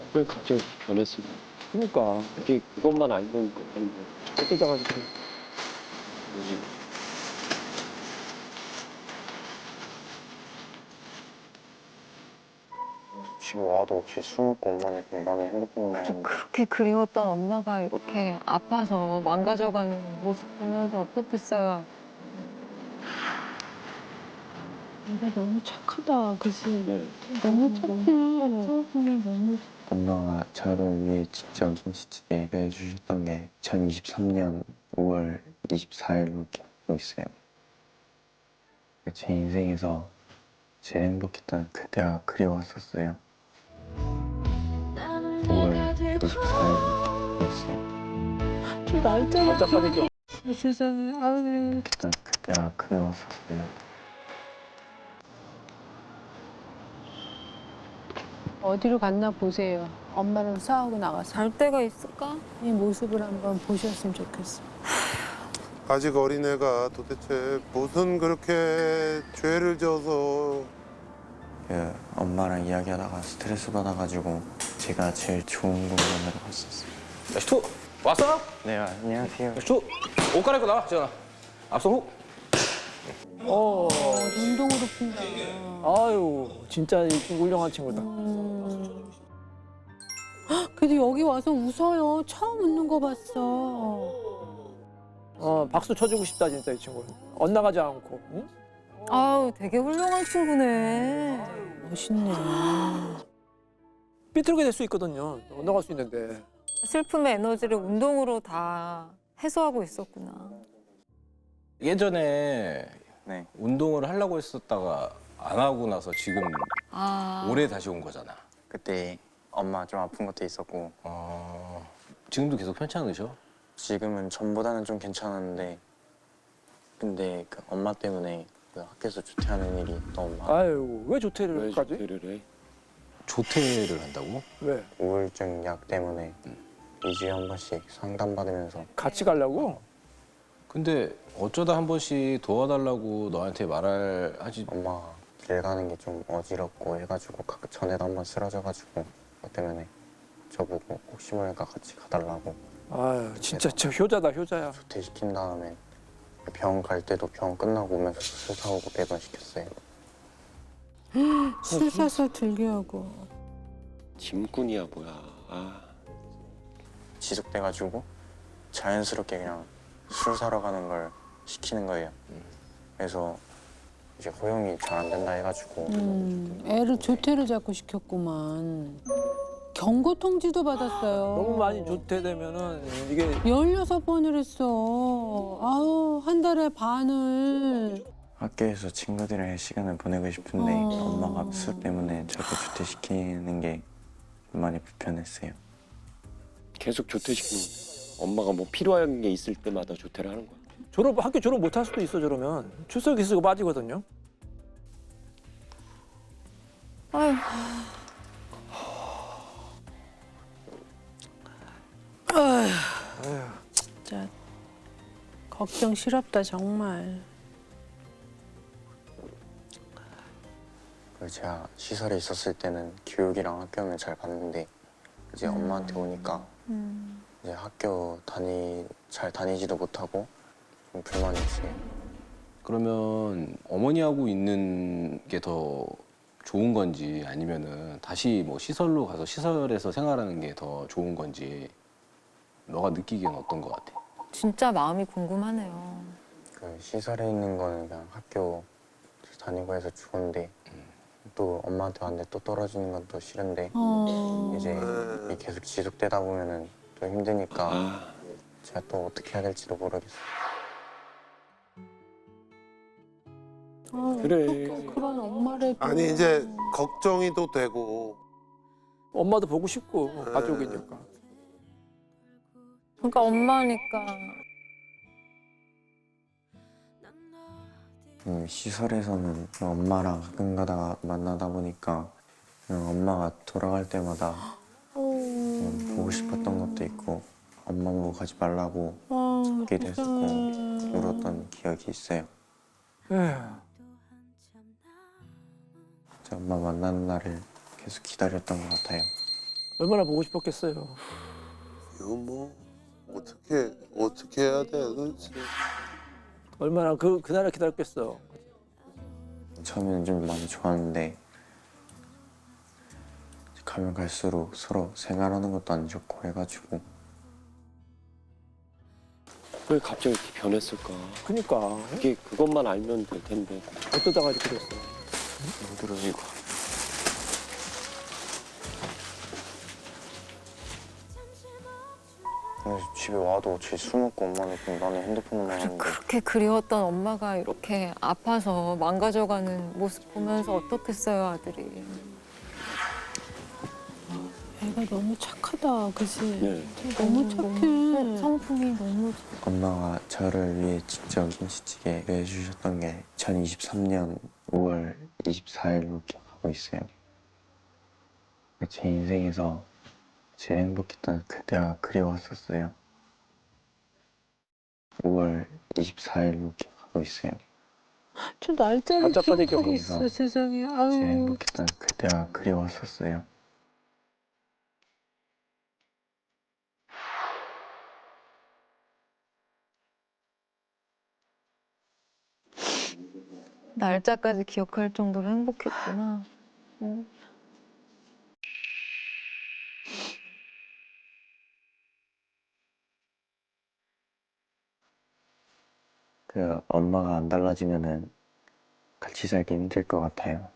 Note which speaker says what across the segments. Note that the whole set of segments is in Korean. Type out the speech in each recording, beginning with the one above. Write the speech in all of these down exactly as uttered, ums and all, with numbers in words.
Speaker 1: 왜 갑자기 변했어?
Speaker 2: 그러니까
Speaker 1: 그게 그것만 알면 아닌데.
Speaker 2: 쫓아가지고
Speaker 1: 뭐지?
Speaker 3: 지금 와도 없이 술 먹고 엄마는 공방에 핸드폰만 하는데
Speaker 4: 그렇게 그리웠던 엄마가 이렇게 아파서 망가져가는 모습 보면서 어떻겠어요.
Speaker 5: 얘가 너무 착하다, 그치?
Speaker 1: 네.
Speaker 5: 너무 착해. 너무
Speaker 3: 엄마가 저를 위해 직접 김치찌개 해주셨던 게 이천이십삼 년 오월 이십사일로 기억하고 있어요. 제 인생에서 제일 행복했던 그때가 그리웠었어요. 오월 이십사일이었어요.
Speaker 5: 좀 날짜가
Speaker 2: 깜짝하니까
Speaker 5: 세상에, 아유.
Speaker 3: 그때 그때가 그리웠었어요.
Speaker 5: 어디로 갔나 보세요. 엄마랑 싸우고 나가서
Speaker 4: 잘 때가 있을까?
Speaker 5: 이 모습을 한번 보셨으면 좋겠어.
Speaker 6: 아직 어린애가 도대체 무슨 그렇게 죄를 져서.
Speaker 3: 그 엄마랑 이야기하다가 스트레스 받아가지고 제가 제일 좋은 공간으로 갔었어요.
Speaker 2: 야, 슈 왔어?
Speaker 3: 네, 안녕하세요.
Speaker 2: 야, 슈 옷 갈아입고 나와, 지현아. 앞서 훅. 어.
Speaker 5: 운동으로 푼다.
Speaker 2: 아유, 진짜 훌륭한 친구다.
Speaker 5: 음. 헉, 그래도 여기 와서 웃어요. 처음 웃는 거 봤어.
Speaker 2: 어, 박수 쳐주고 싶다 진짜 이 친구는. 엇나가지 않고. 응?
Speaker 4: 아우, 되게 훌륭한 친구네.
Speaker 5: 멋있네.
Speaker 2: 삐뚤게 될 수 있거든요. 엇나갈 수 있는데.
Speaker 4: 슬픔의 에너지를 운동으로 다 해소하고 있었구나.
Speaker 7: 예전에
Speaker 3: 네.
Speaker 7: 운동을 하려고 했었다가 안 하고 나서 지금
Speaker 4: 아.
Speaker 7: 올해 다시 온 거잖아.
Speaker 3: 그때 엄마 좀 아픈 것도 있었고
Speaker 7: 어, 지금도 계속 편찮으셔?
Speaker 3: 지금은 전보다는 좀 괜찮았는데 근데 그 엄마 때문에 그 학교에서 조퇴하는 일이 너무 많아.
Speaker 2: 아유, 왜
Speaker 1: 왜
Speaker 2: 조퇴를까지?
Speaker 1: 조퇴를 해?
Speaker 7: 조퇴를 한다고?
Speaker 2: 왜?
Speaker 3: 우울증 약 때문에 이 주에 한 번씩 상담받으면서
Speaker 2: 같이 가려고?
Speaker 7: 근데 어쩌다 한 번씩 도와달라고 너한테 말할 하지.
Speaker 3: 엄마가 길 가는 게 좀 어지럽고 해가지고 각 전에도 한 번 쓰러져가지고 그것 때문에 저보고 혹시 모르니까 같이 가달라고
Speaker 2: 아유, 진짜 저 효자다, 효자야.
Speaker 3: 조퇴시킨 다음에 병원 갈 때도 병원 끝나고 오면서 술 사오고 배변시켰어요.
Speaker 5: 술 사서 들게 하고.
Speaker 1: 짐꾼이야 뭐야. 아.
Speaker 3: 지속돼가지고 자연스럽게 그냥 술 사러 가는 걸 시키는 거예요. 그래서 이제 허용이 잘 안 된다 해가지고
Speaker 5: 음, 애를 조퇴를 자꾸 시켰구만. 경고 통지도 받았어요.
Speaker 2: 너무 많이 조퇴되면은 이게
Speaker 5: 열여섯 번을 했어. 아우, 한 달에 반을.
Speaker 3: 학교에서 친구들이랑 시간을 보내고 싶은데
Speaker 5: 어.
Speaker 3: 엄마가 술 때문에 자꾸 조퇴시키는 게 많이 불편했어요.
Speaker 1: 계속 조퇴시키는 거야. 엄마가 뭐 필요한 게 있을 때마다 조퇴를 하는 거야.
Speaker 2: 졸업, 학교 졸업 못 할 수도 있어, 저러면. 출석 기수가 빠지거든요.
Speaker 4: 아유.
Speaker 5: 진짜 걱정 실없다, 정말.
Speaker 3: 그리고 제가 시설에 있었을 때는 교육이랑 학교는 잘 봤는데 이제 엄마한테 오니까 이제 학교 다니 잘 다니지도 못하고 좀 불만이 있어요.
Speaker 7: 그러면 어머니하고 있는 게 더 좋은 건지 아니면은 다시 뭐 시설로 가서 시설에서 생활하는 게 더 좋은 건지 너가 느끼기엔 어떤 것 같아?
Speaker 4: 진짜 마음이 궁금하네요.
Speaker 3: 그 시설에 있는 거는 그냥 학교 다니고 해서 좋은데 또 엄마한테 왔는데 또 떨어지는 건 또 싫은데
Speaker 5: 어.
Speaker 3: 이제 이게 계속 지속되다 보면은 또 힘드니까
Speaker 1: 아.
Speaker 3: 제가 또 어떻게 해야 될지도 모르겠어요.
Speaker 5: 아,
Speaker 1: 그래.
Speaker 5: 어떡해, 그런 엄마를.
Speaker 6: 아니 이제 걱정이 또 되고.
Speaker 2: 엄마도 보고 싶고, 가족이니까.
Speaker 4: 그러니까 엄마니까.
Speaker 3: 음, 시설에서는 엄마랑 가끔 가다가 만나다 보니까 그냥 엄마가 돌아갈 때마다 음, 보고 싶었던 것도 있고 엄마 보고 가지 말라고
Speaker 5: 아,
Speaker 3: 듣기도 했었고
Speaker 5: 세상에.
Speaker 3: 울었던 기억이 있어요.
Speaker 2: 에휴.
Speaker 3: 진짜 엄마 만나는 날을 계속 기다렸던 것 같아요.
Speaker 2: 얼마나 보고 싶었겠어요.
Speaker 6: 이거 뭐 어떻게 어떻게 해야 돼 도대체.
Speaker 2: 얼마나 그 그날을 기다렸겠어.
Speaker 3: 처음에는 좀 많이 좋았는데 가면 갈수록 서로 생활하는 것도 안 좋고 해가지고
Speaker 1: 왜 갑자기 이렇게 변했을까?
Speaker 2: 그니까
Speaker 1: 이게 그것만 알면 될 텐데.
Speaker 2: 어쩌다가 이렇게 됐어.
Speaker 3: 힘들어지고 그래서 집에 와도 제 술 먹고 엄마는 그냥 나는 핸드폰만 하는데
Speaker 4: 그렇게 그리웠던 엄마가 이렇게 아파서 망가져가는 모습 보면서 어떻겠어요, 아들이.
Speaker 5: 애가 너무 착하다, 그지?
Speaker 1: 네.
Speaker 5: 너무 착해.
Speaker 4: 성- 성품이 너무
Speaker 3: 엄마가 저를 위해 직접 김치찌개를 해주셨던 게 이천이십삼 년 오월 이십사일로 기억하고 있어요. 제 인생에서 제일 행복했던 그때가 그리웠었어요. 오월 이십사일로 기억하고 있어요.
Speaker 5: 저 날짜를
Speaker 2: 날짜까지
Speaker 5: 기억하고
Speaker 3: 기억해.
Speaker 5: 있어, 세상에.
Speaker 3: 제일
Speaker 5: 아유,
Speaker 3: 행복했던 그때가 그리웠었어요.
Speaker 4: 날짜까지 기억할 정도로 행복했구나. 응.
Speaker 3: 그 엄마가 안 달라지면은 같이 살기 힘들 것 같아요.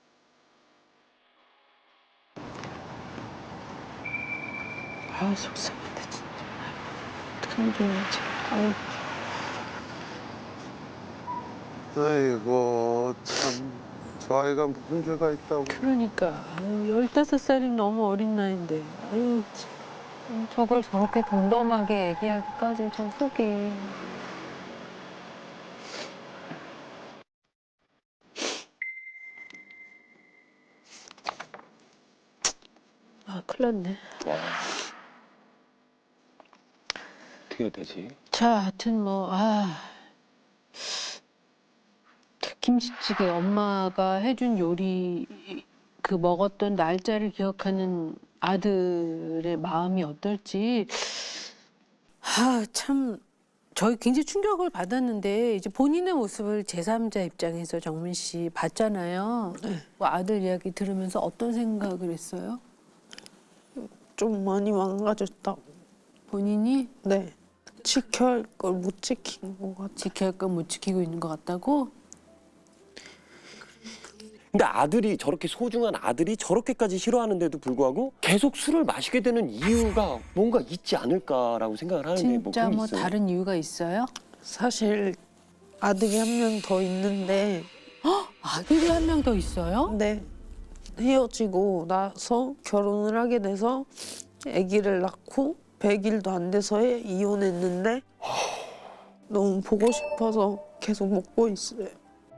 Speaker 5: 아, 속상하다, 진짜. 어떡하면 좋은지. 아유.
Speaker 6: 아이고 참 저 아이가 무슨 죄가 있다고.
Speaker 5: 그러니까. 아유, 열다섯 살이면 너무 어린 나이인데. 아유, 참.
Speaker 4: 음, 저걸 저렇게 덤덤하게 얘기하기까지 저 속이.
Speaker 5: 아, 큰일 났네.
Speaker 1: 어떻게 해야 되지?
Speaker 5: 자, 하여튼 뭐, 아. 김치찌개 엄마가 해준 요리 그 먹었던 날짜를 기억하는 아들의 마음이 어떨지 아, 참 저희 굉장히 충격을 받았는데 이제 본인의 모습을 제삼자 입장에서 정민 씨 봤잖아요. 뭐 아들 이야기 들으면서 어떤 생각을 했어요?
Speaker 8: 좀 많이 망가졌다고.
Speaker 5: 본인이
Speaker 8: 네. 지켜야 할 걸 못 지킨 것 같아.
Speaker 5: 지켜야 할 건 못 지키고 있는 것 같다고?
Speaker 1: 근데 아들이 저렇게 소중한 아들이 저렇게까지 싫어하는데도 불구하고 계속 술을 마시게 되는 이유가 뭔가 있지 않을까라고 생각을 하는데 뭐
Speaker 5: 진짜
Speaker 1: 그게
Speaker 5: 뭐
Speaker 1: 있어요?
Speaker 5: 다른 이유가 있어요?
Speaker 8: 사실 아들이 한 명 더 있는데
Speaker 5: 아들이 한 명 더 있어요?
Speaker 8: 네. 헤어지고 나서 결혼을 하게 돼서 아기를 낳고 백 일도 안 돼서에 이혼했는데 너무 보고 싶어서 계속 먹고 있어요.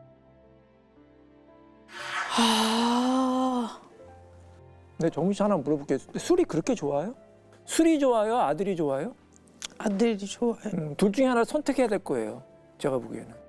Speaker 5: 아,
Speaker 2: 근데 정민 씨 하나 물어볼게요. 술이 그렇게 좋아요? 술이 좋아요? 아들이 좋아요?
Speaker 8: 아들이 좋아요.
Speaker 2: 음, 둘 중에 하나를 선택해야 될 거예요. 제가 보기에는.